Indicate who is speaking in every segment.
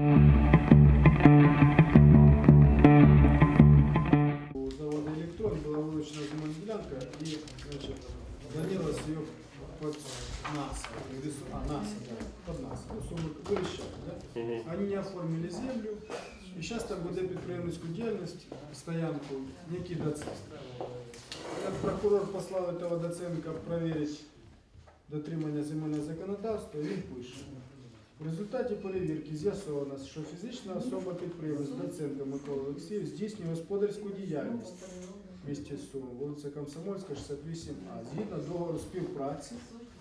Speaker 1: У завода «Электрон» была вылучена земельная делянка, и, значит, планировалось ее под нас, под нас, ну, сумму выращали, да? Они не оформили землю, и сейчас там веде підприємницьку діяльність, стоянку, некий Доценко. Прокурор послал этого Доценка проверить дотримання земельного законодавства, і він пише. В результаті перевірки з'ясовано, що фізична особа підприємець Доценко Микола Олексійович здійснює господарську діяльність в місті Сум, вулиця Комсомольська, 68А, згідно договору співпраці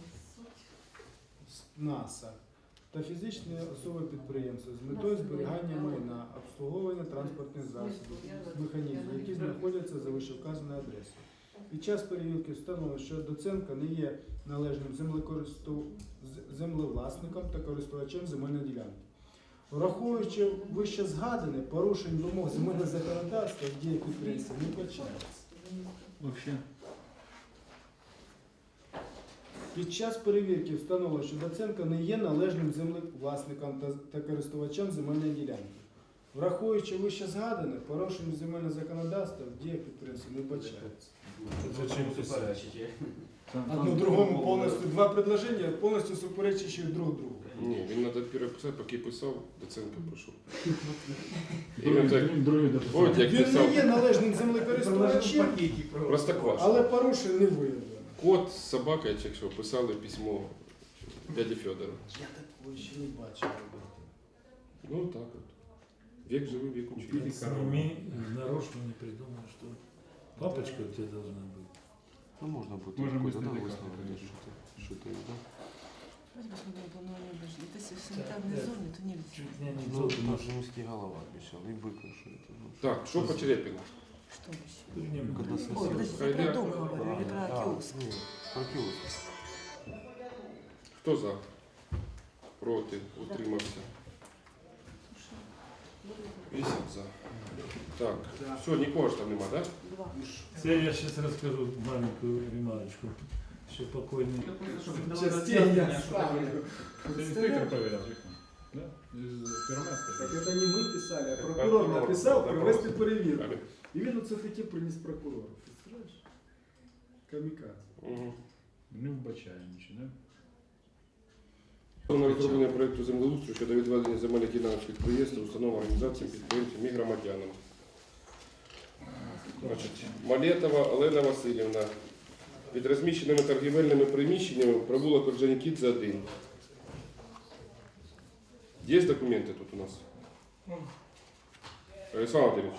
Speaker 1: з НАСА та фізичної особи підприємця з метою зберігання майна, обслуговування транспортних засобів, механізмів, які знаходяться за вищевказаною адресою. Під час перевірки встановлено, що Доценко не є належним землевласником та користувачем земельної ділянки. Враховуючи вище згадане, порушень вимог земельного законодавства в діях підприємства не вбачається. Під час перевірки встановлено, що Доценко не є належним землевласником та користувачем земельної ділянки. Враховуючи вище згадане, порушення земельного законодавства в діях підприємства не вбачається.
Speaker 2: Зачем писать?
Speaker 1: Одно другому повністю, два предложення повністю суперечащі друг другу.
Speaker 3: Ні, він треба переписати, поки писав, Доценко пройшов.
Speaker 1: Він не є належним землекористувачем,
Speaker 3: Простокваша.
Speaker 1: але порушень не виявлено.
Speaker 3: Кот з собакою, якщо писали письмо дяді Федора.
Speaker 1: Я такого ще не бачив.
Speaker 3: Ну так от. Век живий, век учитель.
Speaker 2: Нарочно не придумал, что папочка у тебя должна быть.
Speaker 4: Ну, можно будет
Speaker 2: Можем
Speaker 4: какой-то, да,
Speaker 2: издалека
Speaker 4: выяснить,
Speaker 2: подойти.
Speaker 4: что-то, да?
Speaker 5: Если в санитарной зоне, то нельзя.
Speaker 2: Чуть не
Speaker 4: Ну,
Speaker 2: анекдот,
Speaker 4: наш римский голова обещал, и быка, что это. Ну,
Speaker 3: Так, що по Черепіну?
Speaker 5: Что еще?
Speaker 4: когда
Speaker 5: Ой,
Speaker 4: сосед.
Speaker 5: подождите, я про дом говорю или про киоск?
Speaker 4: Нет, про киоск.
Speaker 3: Хто за? Проти? Утримався? 8 за. Так, все, нікого ж там нема, так?
Speaker 5: Два.
Speaker 2: Я сейчас расскажу маленькую ремарочку. Еще покойный.
Speaker 1: Частенько.
Speaker 2: Инспектор проверял, да? Из Первомайска.
Speaker 1: Так це не ми писали, а прокурор написав провести перевірку. І він оце таке приніс прокурору. Представляєш? Камікадзе.
Speaker 3: Угу.
Speaker 2: Не вбачає нічого, да?
Speaker 3: На розроблення проєкту землеустрою щодо відведення земельних ділянок підприємств, установ, організацій, підприємцям і громадянам. Значить, Малетова Олена Васильівна. Під розміщеними торгівельними приміщеннями провулок Орджонікідзе 1. Є документи тут у нас? Александр Владимирович,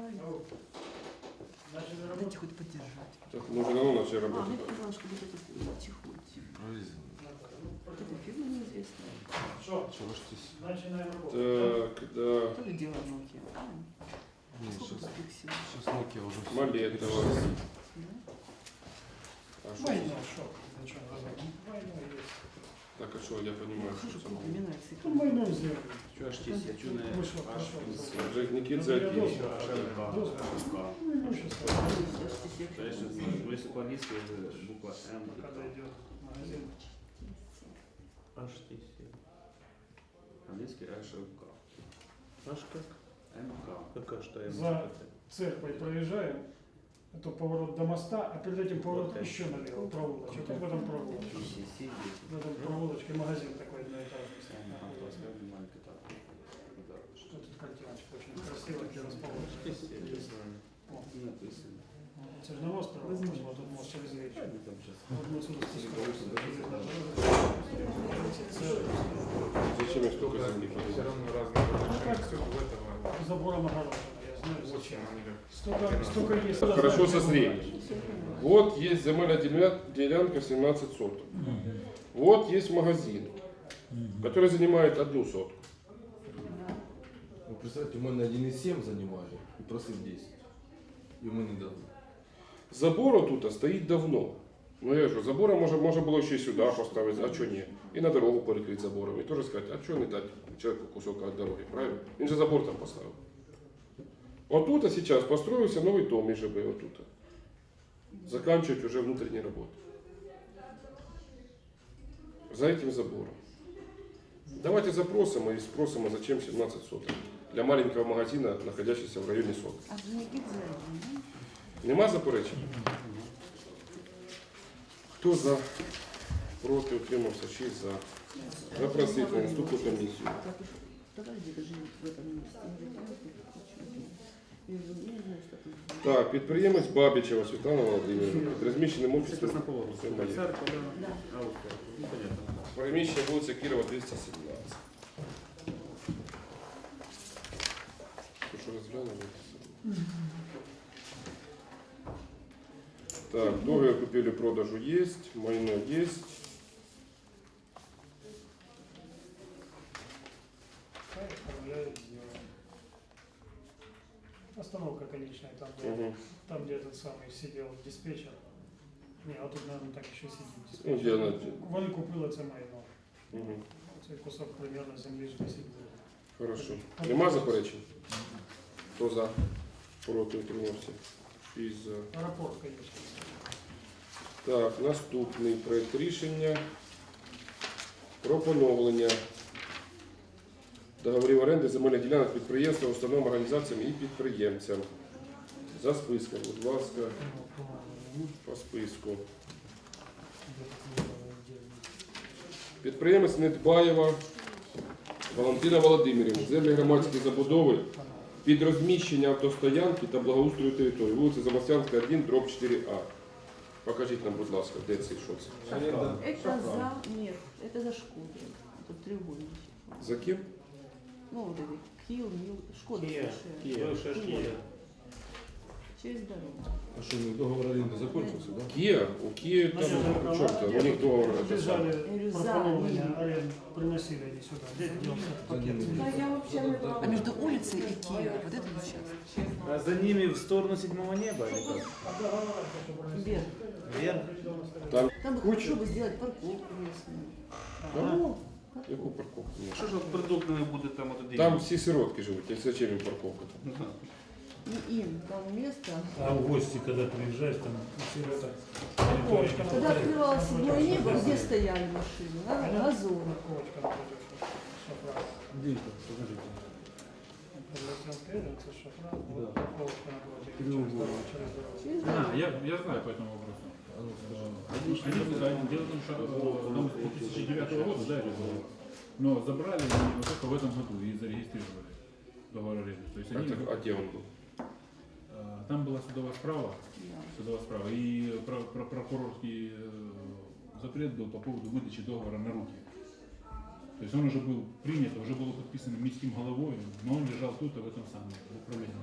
Speaker 5: Дайте хоть поддержать.
Speaker 3: так, ну уже давно начали
Speaker 5: А,
Speaker 3: работать.
Speaker 5: мне показалось, что вот это тихонько. Вот эта фирма неизвестная.
Speaker 4: Чего ж здесь?
Speaker 3: Так, да.
Speaker 5: То ли дело Nokia.
Speaker 4: Нет,
Speaker 5: Сколько
Speaker 4: сейчас,
Speaker 5: тут пикселей?
Speaker 4: сейчас Nokia уже всё.
Speaker 3: Малетова.
Speaker 5: Да?
Speaker 3: А що це? Так, а що, я розумію,
Speaker 5: Хожу,
Speaker 3: що це?
Speaker 5: напоминается.
Speaker 1: Ну, майно зробили.
Speaker 6: Что аж здесь, я чую,
Speaker 3: Орджонікідзе 1.
Speaker 1: Ну, щас
Speaker 6: То есть, ну, если по-английски, это буква М.
Speaker 1: подойдет магазин.
Speaker 6: Аж здесь. Английский АШК.
Speaker 4: Аж как?
Speaker 6: МК. Какая что М?
Speaker 7: За церковь проезжаем, это поворот до моста, а перед этим поворот
Speaker 6: Вот это.
Speaker 7: еще налево, проволочек. Вот в этом проволочке. В этом проволочке магазин такой одноэтажный. Что тут картиночка очень красиво, где расположен.
Speaker 6: Написано.
Speaker 7: Это же на мост проволочка, вот тут мост через речку. Вот мы отсюда спускаемся.
Speaker 3: Зачем я столько землі подумав?
Speaker 7: Забором огорожено, я знаю зачем. Столько есть.
Speaker 3: Так, хорошо со средним. Вот есть земельная делянка 17 соток. Вот есть магазин, который занимает 1 сотку.
Speaker 4: Вы представьте, мы на 1,7 занимали и просил 10. И мы не дали.
Speaker 3: Забор тут стоит давно. Ну я що, забора можна було ще сюди поставити, а чого ні? І на дорогу перекрити забором. І теж сказати, а чого не дати человеку кусок від дороги, правильно? Він же забор там поставив. Отут а зараз построився новий дом і живе отут. Заканчивать уже внутренние работы. За этим забором. Давайте запросимо и спросимо, зачем 17 соток. Для маленького магазина, находящегося в районе соток.
Speaker 5: А вже не підземні,
Speaker 3: Нема заперечень? Хто за? Проти, утримався, 6 за. Запросити на наступну комісію.
Speaker 5: Подожди, даже в этом месте. Я не знаю, что тут.
Speaker 3: Так, підприємець Бабічева Світлана Володимирівна. Під розміщеним
Speaker 6: Сейчас
Speaker 3: офісом.
Speaker 6: на поворот.
Speaker 3: Це моє.
Speaker 6: Церковь,
Speaker 5: Да.
Speaker 6: Аустria. Ну, понятно.
Speaker 3: Приміщення вулиця Кірова, 217. Ви що розглянули? Так, договір купівлі-продажу є, майно є.
Speaker 7: Оформляют дело. Остановка конечная,
Speaker 3: Угу.
Speaker 7: там, где этот самый сидел диспетчер. Не, а тут, наверное, так еще сидит
Speaker 3: Ну,
Speaker 7: диспетчер.
Speaker 3: де вона?
Speaker 7: Вони купили це майно.
Speaker 3: Угу.
Speaker 7: Цей кусок примерно землі ж 10 буде.
Speaker 3: Хорошо. Нема заперечень? Хто за? Проти, утримався. 6 за.
Speaker 7: Аеропорт, конечно.
Speaker 3: Так, наступний проект рішення про поновлення договорів оренди земельних ділянок підприємствам, установам, організаціям і підприємцям. За списком, будь ласка, по списку. Підприємець Недбаєва Валентина Володимирівна. Землі громадської забудови під розміщення автостоянки та благоустрою території. Вулиця Замостянська, 1, дроб 4А. Покажіть нам, будь ласка, де це і що це?
Speaker 5: Это за... Нет, это за Шкоду. Тут треугольничек.
Speaker 3: За ким?
Speaker 5: Ну, вот эти Киев, Мил, Шкода.
Speaker 6: Кия,
Speaker 5: Кия.
Speaker 6: бывшая Кия.
Speaker 5: Через дорогу.
Speaker 4: А что, договор аренды закончился, да?
Speaker 3: Кия? У Киї там, у чорта, у них договор. це саме.
Speaker 7: Бежали пропоновлення аренд, приносили они сюда. Где делся пакет?
Speaker 5: Да, я вообще не брала. А между улицей и Киевом, вот это участок.
Speaker 6: А за ними в сторону седьмого неба или как?
Speaker 5: Вверх.
Speaker 6: Вверх?
Speaker 3: Там
Speaker 5: Там бы хорошо бы сделать парковку местную.
Speaker 3: Кого? Яку парковку? Ні.
Speaker 6: Що ж от продуктами буде там от
Speaker 3: Там всі сиротки живуть, а зачем їм парковка?
Speaker 5: Не им, там место.
Speaker 2: А в гости, когда приезжаешь, там сирота.
Speaker 7: Парковочка
Speaker 5: Когда
Speaker 7: напротив.
Speaker 5: открывалось седьмое небо, где стояли машины? На газон.
Speaker 7: Парковочка напротив. Шафран.
Speaker 4: Где это? Покажите.
Speaker 7: Прилетел Кевин, это Шафран. Вот парковочка напротив.
Speaker 4: Треугольник.
Speaker 7: Через дорогу.
Speaker 5: Через
Speaker 8: А,
Speaker 5: дорогу.
Speaker 8: я знаю по этому вопросу.
Speaker 4: А ну, скажи.
Speaker 8: Дело в том, что нам с 2009 года, да, это было, но забрали они вот только в этом году и зарегистрировали договор аренды. То есть они,
Speaker 3: А де він був?
Speaker 8: там была судовая справа,
Speaker 5: Да.
Speaker 8: и прокурорский запрет был по поводу выдачи договора на руки. То есть он уже был принят, уже было подписано міським головой, но он лежал тут, в этом самом в управлении.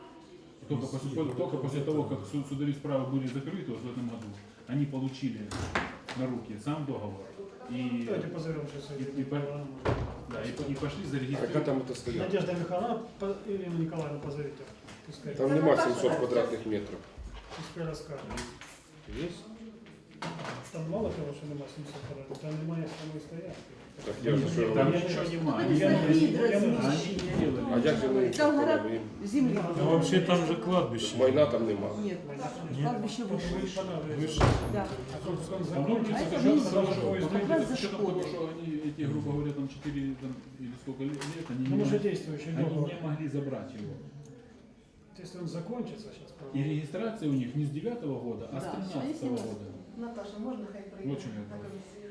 Speaker 8: Только после того, как судовые справы были закрыты вот в этом году, они получили на руки сам договор и,
Speaker 7: Давайте позовем сейчас
Speaker 8: да, и пошли
Speaker 3: Яка
Speaker 8: зарегистрировать.
Speaker 3: там це стоянка?
Speaker 7: Надежда Михайловна, Ирину Николаевну позовите. Пускай,
Speaker 3: Там нема 700 квадратних метрів.
Speaker 7: пускай расскажет.
Speaker 3: Є?
Speaker 7: Там мало того, що нема 700 квадратів, там немає самої стоянки.
Speaker 3: Так я ж що
Speaker 8: Там
Speaker 3: говорю.
Speaker 8: ничего
Speaker 5: Ну,
Speaker 8: нема.
Speaker 5: это
Speaker 8: Они
Speaker 5: за вид
Speaker 8: не
Speaker 5: размещения.
Speaker 8: делали.
Speaker 3: А як же вони
Speaker 5: Там гора
Speaker 3: їм?
Speaker 5: земли.
Speaker 2: Ну, вообще там же кладбище.
Speaker 3: Майна там нема.
Speaker 5: Нет, кладбище выше.
Speaker 2: Выше.
Speaker 5: Да.
Speaker 7: А тут он
Speaker 8: Ну,
Speaker 7: закончится,
Speaker 5: А это
Speaker 8: с учетом
Speaker 5: внизу,
Speaker 8: того, что-
Speaker 5: как раз за
Speaker 8: с учетом того,
Speaker 5: Шкодой.
Speaker 8: что они, эти, грубо говоря, там 4 там, или сколько лет, они,
Speaker 7: Ну,
Speaker 8: не,
Speaker 7: уже действующий
Speaker 8: они
Speaker 7: договор.
Speaker 8: не могли забрать его.
Speaker 7: Если он закончится сейчас,
Speaker 8: И регистрация у них не с 9 года, а с
Speaker 5: Да,
Speaker 8: 13
Speaker 5: они
Speaker 8: года.
Speaker 9: Наташа, можно хай прийде
Speaker 8: Очень
Speaker 9: на
Speaker 8: это.
Speaker 9: комісію?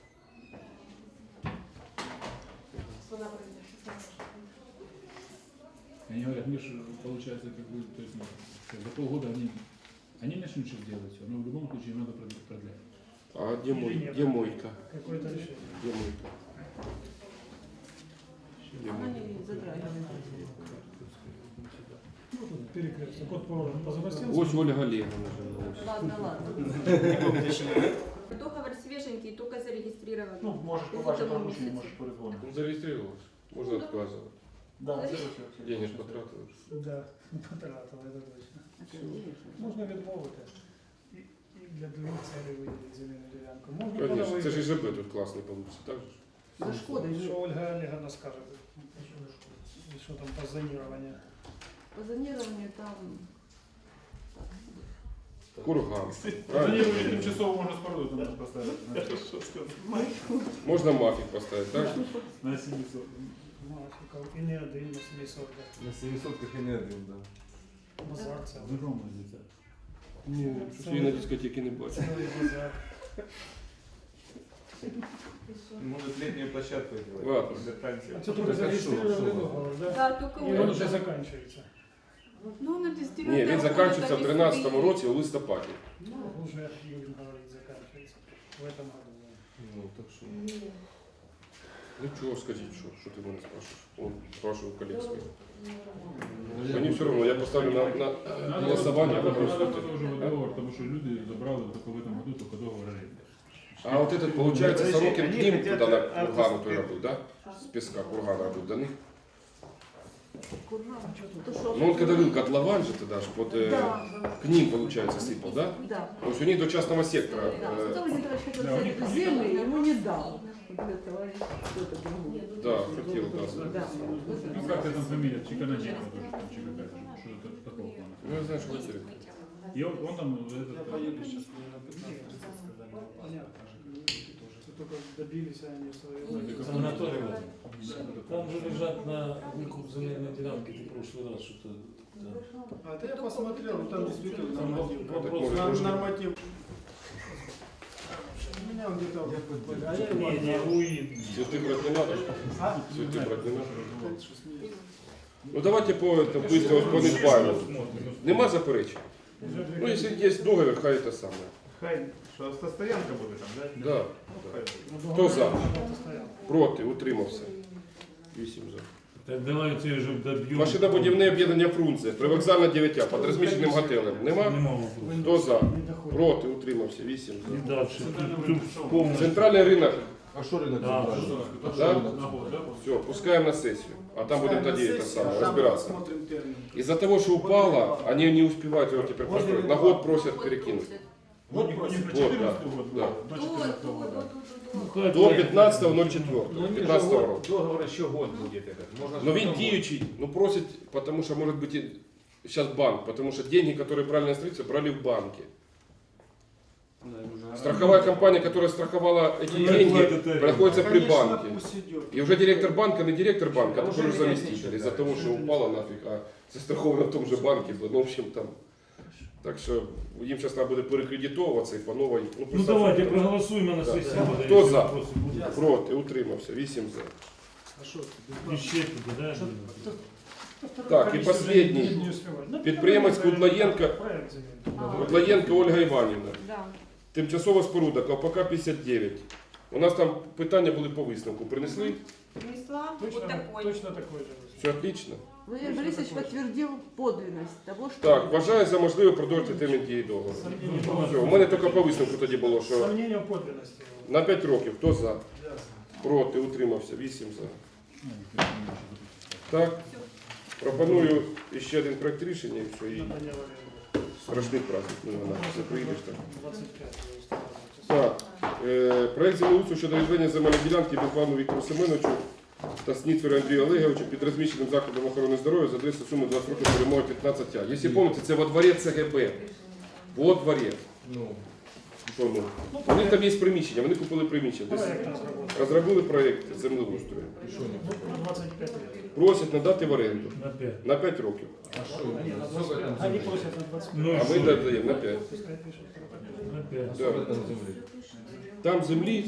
Speaker 9: Вона прийде.
Speaker 8: Они говорят, мы же, получается, как бы, то есть, ну, за полгода они начнут что делать все, но в любом случае надо продлять.
Speaker 3: А де де мойка?
Speaker 7: Какое-то решение.
Speaker 3: Де мойка? Де
Speaker 5: Она
Speaker 3: мойка?
Speaker 5: не затрагивает.
Speaker 7: Ну, тут перекресток. Код по Замостинскому.
Speaker 3: Ось Ольга Олеговна жила. ось.
Speaker 5: Ладно, ладно.
Speaker 9: Договор свеженький, только зарегистрирован.
Speaker 7: Ну,
Speaker 9: можешь по вашей поручению, можешь
Speaker 7: перезвонить.
Speaker 3: Ну, зареєструвалась. Можна відказувати.
Speaker 7: Да,
Speaker 3: Денег потратили.
Speaker 7: Да, потратила, это точно.
Speaker 5: Конечно.
Speaker 7: Можна відмовити. І для других цілей виділити земельну ділянку. Можна
Speaker 3: Конечно,
Speaker 7: подавити.
Speaker 3: це ж і ЖБ тут класний вийде, так же?
Speaker 5: За Шкодой.
Speaker 7: Що Ольга Олеговна скаже? І що там по зоніруванню?
Speaker 5: По зонированию там... Так,
Speaker 3: Курган.
Speaker 8: Они
Speaker 3: Правильно?
Speaker 8: уже тимчасово можно споруду там поставить.
Speaker 3: Можна мафік поставити, так?
Speaker 8: На 700.
Speaker 7: Мафіков. І не один на 700.
Speaker 4: На 700-ках и не один, да.
Speaker 7: Базар це.
Speaker 8: Здорово, дитя.
Speaker 3: Ні, щось я на дискотеки не бачу.
Speaker 7: Цілий базар.
Speaker 4: Может, летнюю площадку делать.
Speaker 3: Ладно.
Speaker 7: А це тільки зареєстрували договор, да?
Speaker 9: Да, только
Speaker 7: І він вже
Speaker 9: вот.
Speaker 7: закінчується.
Speaker 9: Ну, на дистрибьютора.
Speaker 3: Ні, він закінчується в 2013 році у листопаді.
Speaker 7: Ну, уже Юрий говорит, заканчивается в этом году.
Speaker 4: Ну, так что...
Speaker 3: Ну чого скажіть, що ти мене спрашиваєш? Он спрашивав коллег своїх. Мені все одно, я поставлю на голосування, а ви
Speaker 8: Надо
Speaker 3: голосуйте.
Speaker 8: тоже договор, потому что люди забрали только в этом году только договор аренды.
Speaker 3: А вот этот, получается,
Speaker 6: Подожди,
Speaker 3: Сорокин к
Speaker 6: они
Speaker 3: ним
Speaker 6: хотят
Speaker 3: туда на
Speaker 6: автоспин.
Speaker 3: кургану той робив, да? С песка кургана робив до них. Ну вот когда был котлован же тогда, ж вот к ним, получается, сыпал, да?
Speaker 5: Да.
Speaker 3: То есть у них до частного сектора.
Speaker 5: Да, Светлана Николаевич хотел
Speaker 8: Да, у
Speaker 5: взять
Speaker 8: них
Speaker 5: эту землю, и ему не дал. Вот этот товарищ, кто-то другой.
Speaker 3: Да, хотел, да.
Speaker 5: Да.
Speaker 8: Ну как это там фамилия? Чикананенко тоже, там, чи какая-то, что-то такого плана.
Speaker 3: Ну я знаю, что хотели.
Speaker 8: И он там, этот,
Speaker 1: Поеду сейчас на 15-30, когда не понятно же, тоже. Это только добились они своего.
Speaker 2: Санаторий. Там же лежат на выкуп земельной делянки, ты в прошлый раз что-то... да.
Speaker 1: А это я посмотрел, ну там действительно
Speaker 2: Там
Speaker 1: норматив.
Speaker 2: вопрос-
Speaker 1: Норматив. У меня он где-то... А я его
Speaker 2: Не, не, УИН.
Speaker 3: Цветы брать не надо?
Speaker 1: А?
Speaker 3: Цветы брать не надо?
Speaker 1: Что смеюсь.
Speaker 3: Ну давайте по этому быстро по Нидбайлу. Нема заперечень? Ну если есть договор, хай это самое.
Speaker 6: Хай, що автостоянка буде там, да?
Speaker 3: Да.
Speaker 7: Ну,
Speaker 3: Хто за?
Speaker 7: договор стоял.
Speaker 3: Проти, утримався. 8 за.
Speaker 2: Так давайте вже доб'ємо.
Speaker 3: Машинобудівне об'єднання Фрунзе, привокзальна 9А, під розміщеним готелем. Нема?
Speaker 2: Нема вопросу.
Speaker 3: Хто за?
Speaker 7: Не доходит.
Speaker 3: Проти, утримався, 8
Speaker 2: І
Speaker 3: за.
Speaker 2: далі. Тут повністю.
Speaker 3: Центральний ринок,
Speaker 4: А что рынок
Speaker 2: Да.
Speaker 4: центральный?
Speaker 3: да?
Speaker 8: на год, да?
Speaker 3: Все, пускаємо на сесію. А там будемо тоді це саме, розбиратися.
Speaker 1: Посмотрим термин.
Speaker 3: Из-за того, что упало, они не успевают его теперь построить. На год просят перекинуть.
Speaker 8: Вот не про
Speaker 3: Вот,
Speaker 8: 14
Speaker 3: да,
Speaker 8: год,
Speaker 3: да.
Speaker 8: до 14 года.
Speaker 2: Хай
Speaker 3: До
Speaker 2: буде.
Speaker 3: 15.04. 15 року.
Speaker 10: Договор еще год будет этот. Можно
Speaker 3: Но він діючий, ну просить, потому что может быть сейчас банк, потому что деньги, которые брали на строительство, брали в банке. Страховая компания, которая страховала эти деньги, проходится при
Speaker 1: Конечно,
Speaker 3: банке.
Speaker 1: пусть идет.
Speaker 3: И уже директор банка, не директор банка, а такой уже заместитель. Из-за того, что упало нафиг, а застраховано в том же банке. Ну, в общем, там. Так що їм зараз треба буде перекредитовуватися і по новій.
Speaker 2: Ну давайте проголосуємо на сесії. буде,
Speaker 3: Хто
Speaker 2: якщо
Speaker 3: за?
Speaker 2: вопроси будуть.
Speaker 3: Проти, утримався, 8 за.
Speaker 1: А что
Speaker 2: І ще туди, да?
Speaker 3: Так, і останній. Підприємець Кудлаєнка. Кудлаєнка Ольга Іванівна.
Speaker 9: Да.
Speaker 3: Тимчасова споруда, КПК 59. У нас там питання були по висновку. Принесли?
Speaker 9: Принесла
Speaker 7: Точно,
Speaker 9: вот такой.
Speaker 7: точно такой же.
Speaker 3: Все отлично.
Speaker 5: Владимир Борисович подтвердил подлинность того, что...
Speaker 3: Так, вважаю за можливе продовжити термін дії договору. Все, у мене тільки по висновку тоді було, що
Speaker 7: Сомнения в подлинности.
Speaker 3: на 5 років. Хто за? Проти, утримався, 8 за. Так, пропоную ще один проект рішення і все, і страшний праздник. Ну, вона все приїдеш так.
Speaker 7: 25.
Speaker 3: Так, проект землеустрою щодо відведення земельної ділянки Безбану Віктору Семеновичу та Сніцеру Андрію Олеговичу під розміщеним закладом охорони здоров'я за адресою суми 20 років перемоги 15А. Якщо пам'ятаєте, це во дворі ЦГБ. Во дворі.
Speaker 4: Ну,
Speaker 3: Що, ну? У них там є приміщення, вони купили приміщення. Десь
Speaker 7: Проект разработан.
Speaker 3: розробили проєкт землеустрою.
Speaker 4: и что не
Speaker 7: На 25 лет.
Speaker 3: Просять надати в оренду
Speaker 2: На 5.
Speaker 3: на 5 років.
Speaker 4: А что?
Speaker 7: Они на
Speaker 4: Сколько
Speaker 7: 25.
Speaker 4: там
Speaker 7: Они
Speaker 4: земли?
Speaker 7: просят на 25.
Speaker 2: Ну,
Speaker 3: А ми даємо на 5.
Speaker 7: Пускай пишут.
Speaker 2: На 5.
Speaker 4: А сколько там земли?
Speaker 3: Там землі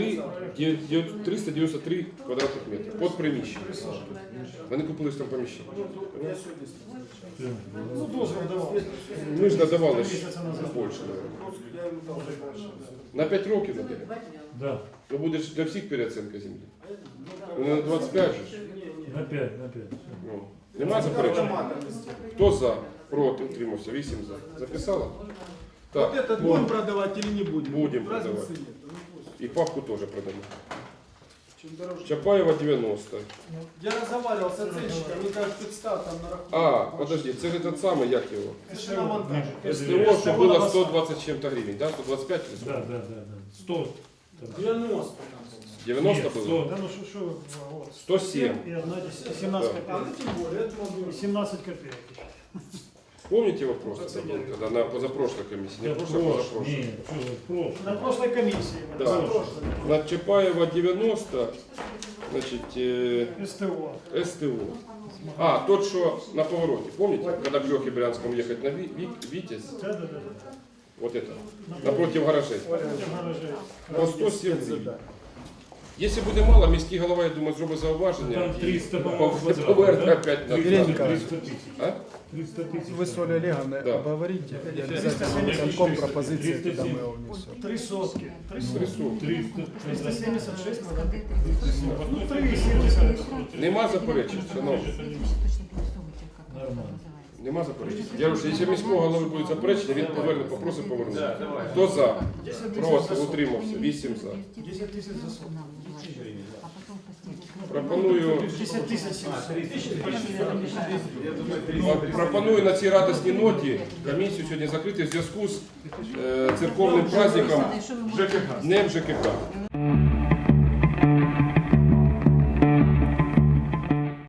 Speaker 3: 393 квадратних метри. Під приміщення. Вони купили ж там приміщення.
Speaker 1: Я сегодня
Speaker 7: Ну, дозвол давал.
Speaker 3: Ми ж надавали ж
Speaker 7: Месяца назад.
Speaker 3: більше, мабуть.
Speaker 1: Я ему дал больше.
Speaker 3: На 5 років надаємо.
Speaker 2: Да.
Speaker 3: То буде ж для всіх переоцінка землі. Ну, на 25 же ж.
Speaker 2: На 5, на 5.
Speaker 3: Ну, нема заперечень? Хто за? Проти, утримався, 8 за. Записала?
Speaker 1: Вот
Speaker 3: Так,
Speaker 1: этот будем продавать или не будем?
Speaker 3: Будем
Speaker 1: Разницы
Speaker 3: продавать.
Speaker 1: нет. Ну, пусть.
Speaker 3: і папку теж продамо.
Speaker 1: Чем дороже.
Speaker 3: Чапаєва 90.
Speaker 1: Я разговаривал с оценщиком, мне кажется, представь там на рахунок.
Speaker 3: А, подожди, це ж этот самый, як його?
Speaker 1: Шиномонтаж.
Speaker 3: СТО, що було 120 з чим-то гривень, да? 125 чи
Speaker 2: Да,
Speaker 3: 100?
Speaker 2: да, да, да. 100. там.
Speaker 1: 90 там.
Speaker 3: 90
Speaker 2: Нет,
Speaker 3: було?
Speaker 2: 100.
Speaker 7: Да ну что, вот.
Speaker 3: 107.
Speaker 7: И одна 17
Speaker 3: Да.
Speaker 1: А, ну
Speaker 7: копеек.
Speaker 1: тем более, это могу.
Speaker 7: И 17 копеек.
Speaker 3: Помните вопрос, тогда был, когда на позапрошлой комиссии? Не
Speaker 2: Да
Speaker 3: прошлой, а позапрошлой.
Speaker 2: Ні, чого ви, прошлой.
Speaker 7: На прошлой комиссии.
Speaker 3: Да.
Speaker 7: На прошлой.
Speaker 3: На Чапаева 90, значит,
Speaker 7: СТО.
Speaker 3: СТО. А, тот, что на повороте, помните, когда к Лехе Брянскому ехать на Витязь?
Speaker 7: Да.
Speaker 3: Вот это, напротив гаражей.
Speaker 7: Против гаражей.
Speaker 3: По 107 гривень. Якщо буде мало, міський голова, я думаю, зробить зауваження.
Speaker 2: Там 300,
Speaker 3: і
Speaker 2: по-моєму,
Speaker 3: поверне
Speaker 2: квадратів,
Speaker 3: опять на
Speaker 2: 300
Speaker 3: 20.
Speaker 2: тисяч.
Speaker 3: А?
Speaker 2: 300 тисяч.
Speaker 1: Вы с Олей Олеговной
Speaker 3: Да.
Speaker 1: обговорите, и
Speaker 7: 370
Speaker 1: обязательно конком пропозиции
Speaker 2: 370.
Speaker 1: туда мы его внесем.
Speaker 7: 3 сотки. 3 сотки.
Speaker 3: 300.
Speaker 7: 376 надо. Ну,
Speaker 2: Ну,
Speaker 7: 3,70.
Speaker 3: Нема заперечень, шановні.
Speaker 2: Нормально.
Speaker 3: Нема заперечень. Я кажу, якщо міського голови будуть заперечення, він поверне, попросить повернути. Хто за?
Speaker 7: 10 тисяч
Speaker 3: Проти,
Speaker 7: за сотку.
Speaker 3: утримався. 8 за.
Speaker 7: 10 тисяч за сотку.
Speaker 3: Пропоную,
Speaker 7: 10 тисяч 700.
Speaker 3: пропоную на цій радісній ноті комісію сьогодні закрити в зв'язку з церковним праздником Днем ЖКХ.